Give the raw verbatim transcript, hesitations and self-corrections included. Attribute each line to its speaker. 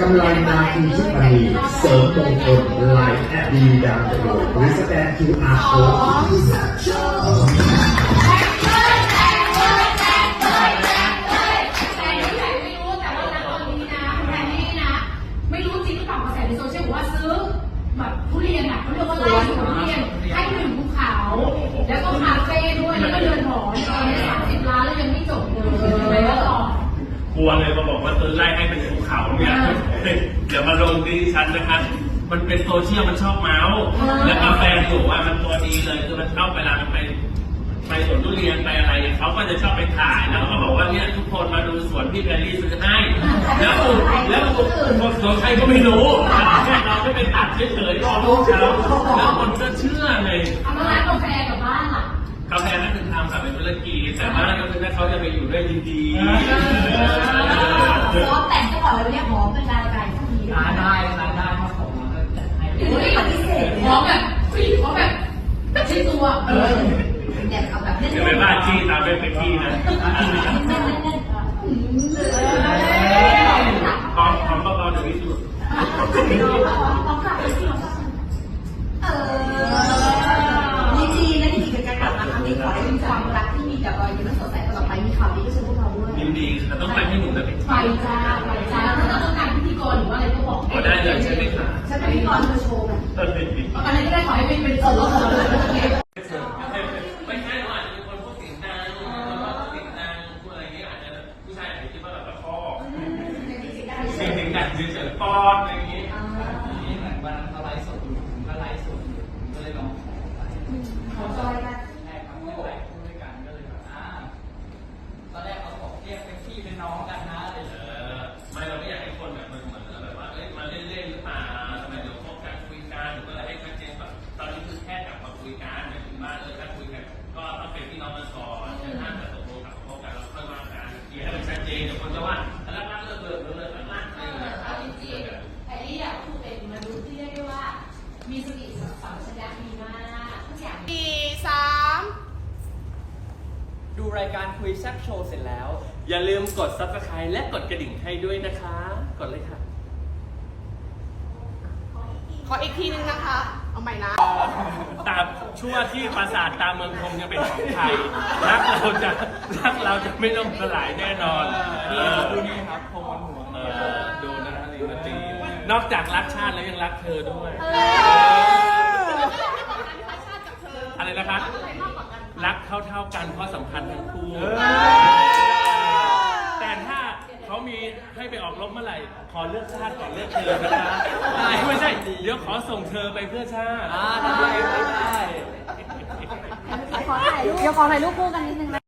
Speaker 1: ำไรนาทีชุดมณีเสริมมงคลไลน์แอดดีดาวน์โหลดหรือสแกน คิว อาร์ Code
Speaker 2: แบบทุเรียนอ่ะเขาเรียกว่าไร่สวนทุเรียนให้หนึ่งภูเขาแล้วก็คาเฟ่ด้วยแล้วก็เดินหอตอนนี้สามสิบล้านแล้วยังไม่จบเลยไปแล้วต่อก
Speaker 3: ลัวเลยมาบอกว่าซื้อไร่ให้เป็นภูเขาเนี่ยเดี๋ยวมาลงที่ชั้นนะครับมันเป็นโซเชียลมันชอบเมาส์แล้วกาแฟอยู่ว่ามันตัวดีเลยคือมันชอบเวลามันไปไปสวนทุเรียนไปอะไรเขาก็จะชอบไปถ่ายแล้วก็บอกว่าเนี่ยทุกคนมาดูสวนพี่แพรรี่ซื้อให้แล้วแล้วสวนใครก็ไม่รู้แค่เราไม่ไปตัดเฉยๆรอลูกเขาแล้วคนก็เชื่อเลย
Speaker 2: เอามาร้านกาแฟกับบ้านล่ะ
Speaker 3: กาแฟนั่นคือทำค่ะเป็นธุรกิจแต่ว่าก็คือถ้าเขาจะไปอยู่ด้วยดีๆ
Speaker 2: ซอฟแต่งก็บอกเลยเนี่ยหอมเป็นลายไก่สักที
Speaker 4: ร้านได้ร้านได้ถ้าผมมันก็จัดให้
Speaker 2: ปฏิเสธหอมแบบฟิหอมแบบไม่ใช่ตัวเออเด็กเอาแบบเล่นๆ
Speaker 3: อย่าไปบ้าจี้ตามไปเป็นพี่นะพร้อมพร้อมก็พอถึงที่สุด
Speaker 2: เออยินดีนะที่กิจกรรมมาครั้งนี้ขอให้มีความรักที่มีแต่รอยยิ้มและสดใสตลอดไปมีข่าวดีก็เชิญพวกเราด้วย
Speaker 3: ยินดีแต่ต้องไปให้หนูนะ
Speaker 2: ไปจ้าไปจ้าถ้าต้องการพิธีกรหรือว่าอะไรก็บอก
Speaker 3: ได้เลยใช่ไหมคะ
Speaker 2: ฉันเป็นพิธีกรเธอโชว์แบบอะไรก็ได้ขอให้เป็นเป็นส่วนลดเลย
Speaker 3: ไม่ใช่เราอาจจะเป็นคนพูดเสียงดังพูดเสียงดังพูดอะไรเงี้ยอาจจะผู้ชายอาจจะคิดว่าแบบตะคอกเสียงดังเฉยๆป้อนอะไรอย่างงี้
Speaker 4: นี่เหมือนวันนั้นเขาไลฟ์สดอยู่ผมก็ไลฟ์สดอยู่ผมก็เลยลองขอไป
Speaker 2: ขอจอยกัน
Speaker 4: ใช่ครับไม่ไหวพูดด้วยกันก็เลยแบบอ่าตอนแรกเขาบอกเรียกเป็นพี่เป็นน้องกันนะอะไรอย่างเงี้ย
Speaker 3: ไม่เราไม่อยากให้คนแบบมันเหมือนแบบว่าเอ้ยมาเล่นๆหรือเปล่าทำไมเดี๋ยวพบกันคุยกันหรือว่าอะไรให้ชัดเจนแบบตอนนี้คือแค่กลับมาคุยกันหมายถึงว่าเออถ้าคุยกันก็ต้องเป็นพี่น้องกันก่อนแต่ถ้าจะตกลงกับพบกันเราค่อยว่ากันเคลียร์ให้มันชัดเจนเดี๋ยวคนจะว่าแล้วรักเลิกเลิกเลิกรักอะไรอย่างเงี้ย
Speaker 2: จริงๆไอ้นี่อ่ะคือเป็นมนุษย์ที่เรียกได้ว่ามีสติสัมปชัญญะดีมากทุกอย่าง
Speaker 5: สี่สาม
Speaker 4: ดูรายการคุยแซ่บโชว์เสร็จแล้ว
Speaker 3: อย่าลืมกด ซับสไครบ์ และกดกระดิ่งให้ด้วยนะคะกดเลยค่ะ
Speaker 5: ขออีกทีนึงนะคะเอาใหม่นะ
Speaker 3: ตามชั่วที่ปราสาทตามเมืองคงจะเป็นของไทยรักเราจะรักเราจะไม่ต้องสลายแน่นอน
Speaker 4: นี่ดูนี่ครับพงวันหัว
Speaker 3: ดูนะฮะลีนาตีนอกจากรักชาติแล้วยังรักเธอด้วยอะไรนะคะรักเท่าเท่ากันเพราะสัมพันธ์ทั้งคู่แต่ถ้าเขามีให้ไปออกรบเมื่อไหร่ขอเลือกชาติก่อนเลือกเธอนะคะไม่ใช่เดี๋ยวขอส่งเธอไปเพื่อชาติ
Speaker 4: ได้ได้
Speaker 5: ขอถ่ายรูปเดี๋ยวขอถ่ายรูปคู่กันนิดนึงนะ